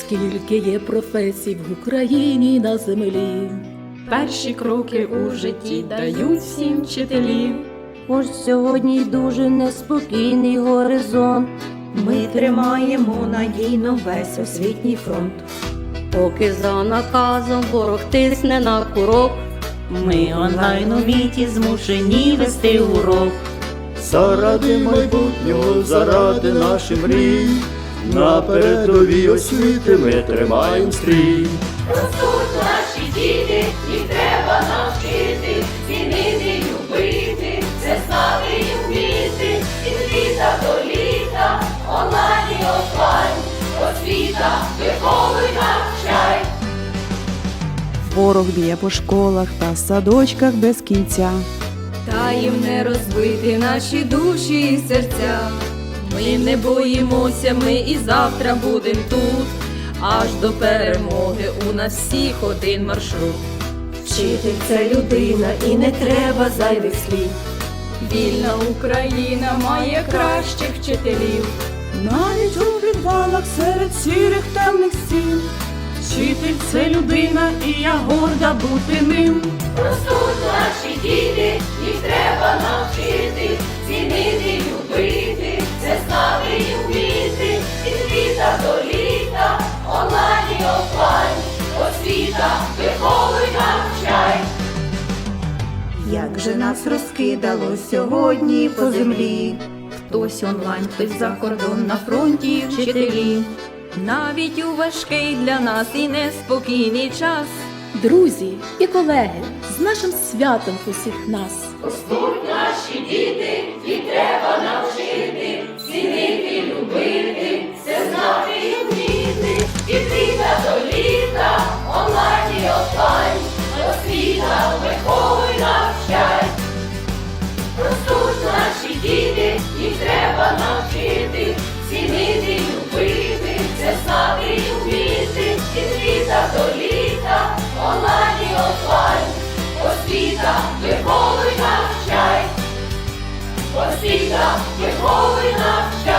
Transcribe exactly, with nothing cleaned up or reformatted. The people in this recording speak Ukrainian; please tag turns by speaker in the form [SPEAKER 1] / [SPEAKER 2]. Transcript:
[SPEAKER 1] Скільки є професій в Україні на землі,
[SPEAKER 2] перші кроки у житті дають всім вчителі.
[SPEAKER 3] Хоч сьогодні й дуже неспокійний горизонт,
[SPEAKER 4] ми тримаємо надійно весь освітній фронт.
[SPEAKER 3] поки за наказом ворог тисне на курок,
[SPEAKER 4] Ми онлайн у міті змушені вести урок.
[SPEAKER 5] Заради майбутнього, заради наших мрій, на передовій освіти ми тримаємо стрій.
[SPEAKER 6] Ростуть наші діти, їх треба навчити, цінити, любити, це знати і вміти. Від літа до літа, онлайн і офлайн, освіта, виховуй, навчай.
[SPEAKER 7] Ворог б'є по школах та садочках без кінця.
[SPEAKER 2] Та їм не розбити наші душі і серця. Ми не боїмося, ми і завтра будем тут. Аж до перемоги у нас всіх один маршрут.
[SPEAKER 4] Вчитель – це людина і не треба зайвих слів.
[SPEAKER 2] Вільна Україна має кращих вчителів.
[SPEAKER 7] Навіть у підвалах серед сірих темних стін. Вчитель – це людина, і я горда бути ним.
[SPEAKER 6] Ростуть наші діти, їх треба навчити, цінити, любити, це знати і вміти. Від літа до літа, онлайн і офлайн, освіта, виховуй, навчай.
[SPEAKER 4] Як же нас розкидало сьогодні по землі.
[SPEAKER 2] Хтось онлайн, хтось за кордон, на фронті вчителі. Навіть у важкий для нас і неспокійний час.
[SPEAKER 1] друзі і колеги, з нашим святом усіх нас.
[SPEAKER 6] Ростуть наші діти, їх треба навчити, цінити, любити, це знати і вміти. Від літа до літа, онлайн і офлайн, освіта, виховуй, навчай. Ростуть наші діти, їх треба навчити, цінити, любити, це знати і вміти. Від літа до літа, онлайн і офлайн, освіта, виховуй, навчай. Освіта, виховуй, навчай.